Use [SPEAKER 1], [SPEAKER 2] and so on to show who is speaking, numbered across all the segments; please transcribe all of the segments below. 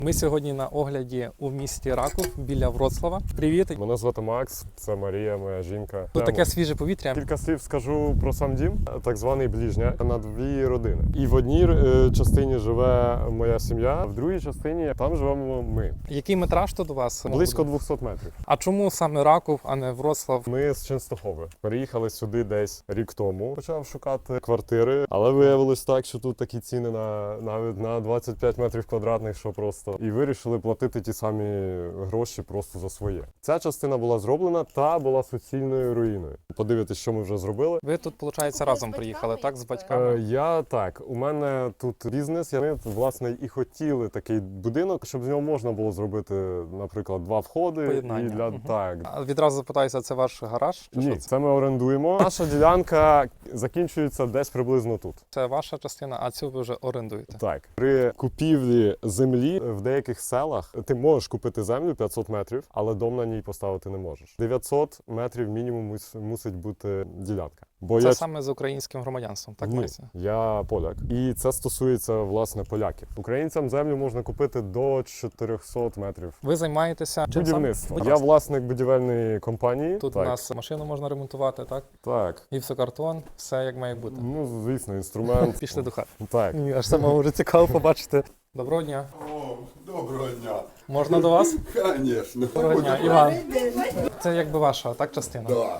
[SPEAKER 1] Ми сьогодні на огляді у місті Раков біля Вроцлава. Привіт!
[SPEAKER 2] Мене звати Макс, це Марія, моя жінка.
[SPEAKER 1] Тут таке свіже повітря.
[SPEAKER 2] Кілька слів скажу про сам дім, так званий ближня, на дві родини. І в одній частині живе моя сім'я, а в другій частині там живемо ми.
[SPEAKER 1] Який метраж тут у вас?
[SPEAKER 2] Близько 200 метрів.
[SPEAKER 1] А чому саме Раков, а не Вроцлав?
[SPEAKER 2] Ми з Ченстохови. Переїхали сюди десь рік тому. Почав шукати квартири, але виявилось так, що тут такі ціни навіть на 25 метрів квадратних, що просто. І вирішили платити ті самі гроші просто за своє. Ця частина була зроблена та була суцільною руїною. Подивитись, що ми вже зробили.
[SPEAKER 1] Ви тут, виходить, разом приїхали, так, з батьками?
[SPEAKER 2] У мене тут бізнес. Ми, власне, і хотіли такий будинок, щоб з нього можна було зробити, наприклад, два входи.
[SPEAKER 1] Поєднання.
[SPEAKER 2] І так.
[SPEAKER 1] А відразу запитаюся, це ваш гараж? Чи
[SPEAKER 2] Ні,
[SPEAKER 1] що це?
[SPEAKER 2] це ми орендуємо. Наша ділянка закінчується десь приблизно тут.
[SPEAKER 1] Це ваша частина, а цю ви вже орендуєте?
[SPEAKER 2] Так. При купівлі землі в деяких селах ти можеш купити землю 500 метрів, але дом на ній поставити не можеш. 900 метрів мінімум мусить бути ділянка. Бо
[SPEAKER 1] Це саме з українським громадянством, так
[SPEAKER 2] Ні,
[SPEAKER 1] мається?
[SPEAKER 2] я поляк. І це стосується, власне, поляків. Українцям землю можна купити до 400 метрів.
[SPEAKER 1] Ви займаєтеся чим саме?
[SPEAKER 2] Будівництво. Я власник будівельної компанії.
[SPEAKER 1] Тут
[SPEAKER 2] так.
[SPEAKER 1] у нас машину можна ремонтувати, так?
[SPEAKER 2] Так.
[SPEAKER 1] Гіпсокартон, все як має бути.
[SPEAKER 2] Ну, звісно, інструмент.
[SPEAKER 1] Пішли до хати.
[SPEAKER 2] Так.
[SPEAKER 1] Мені аж самому вже цікаво побачити. Доброго дня.
[SPEAKER 3] О, доброго дня.
[SPEAKER 1] Можна до вас?
[SPEAKER 3] Конечно.
[SPEAKER 1] Доброго дня, Іван. Це якби ваша, так, частина?
[SPEAKER 3] Да.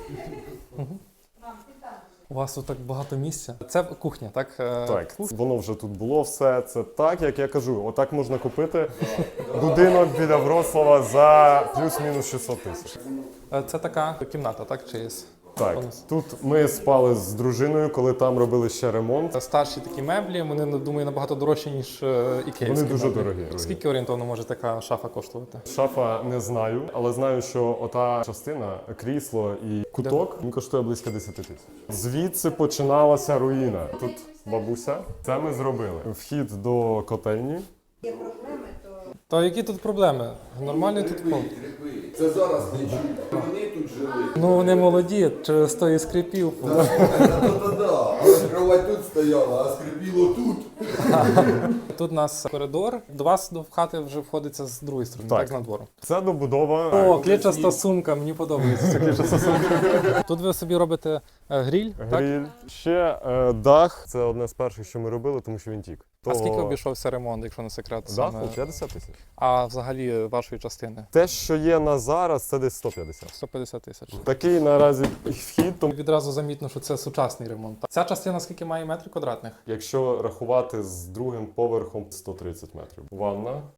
[SPEAKER 1] У вас тут так багато місця. Це кухня, так?
[SPEAKER 2] Так, воно вже тут було все. Це так, як я кажу. Отак можна купити будинок біля Вроцлава за плюс-мінус 600 тисяч.
[SPEAKER 1] Це така кімната, так? Чи
[SPEAKER 2] Так, тут ми спали з дружиною, коли там робили ще ремонт.
[SPEAKER 1] Це старші такі меблі, вони, думаю, набагато дорожчі, ніж ікеївські.
[SPEAKER 2] Вони дуже
[SPEAKER 1] меблі.
[SPEAKER 2] дорогі.
[SPEAKER 1] Скільки орієнтовно може така шафа коштувати?
[SPEAKER 2] Шафа не знаю, але знаю, що ота частина, крісло і куток, він коштує близько 10 тисяч. Звідси починалася руїна. Тут бабуся. Це ми зробили. Вхід до котельні.
[SPEAKER 1] То які тут проблеми? Нормальний тут пол?
[SPEAKER 3] Це зараз не чуть. Вони тут жили.
[SPEAKER 1] Ну, вони молоді, через то і скрипів.
[SPEAKER 3] Да. Але кровать тут стояла, а скрипіло тут.
[SPEAKER 1] Тут у нас коридор. До вас до хати вже входиться з другої сторони, так,
[SPEAKER 2] Так.
[SPEAKER 1] з надвору.
[SPEAKER 2] Це добудова.
[SPEAKER 1] О, клітчаста сумка, мені подобається ця клітчаста сумка. Тут ви собі робите гриль, так?
[SPEAKER 2] Гриль. Ще дах. Це одне з перших, що ми робили, тому що він тік.
[SPEAKER 1] А скільки обійшовся ремонт, якщо не секрет?
[SPEAKER 2] Даху 50 тисяч.
[SPEAKER 1] А взагалі вашої частини?
[SPEAKER 2] Те, що є на зараз, це десь 150.
[SPEAKER 1] 150 тисяч.
[SPEAKER 2] Такий наразі вхід, тому
[SPEAKER 1] Відразу замітно, що це сучасний ремонт. Ця частина скільки має метрів квадратних?
[SPEAKER 2] якщо рахувати з другим поверхом 130 метрів. Ванна.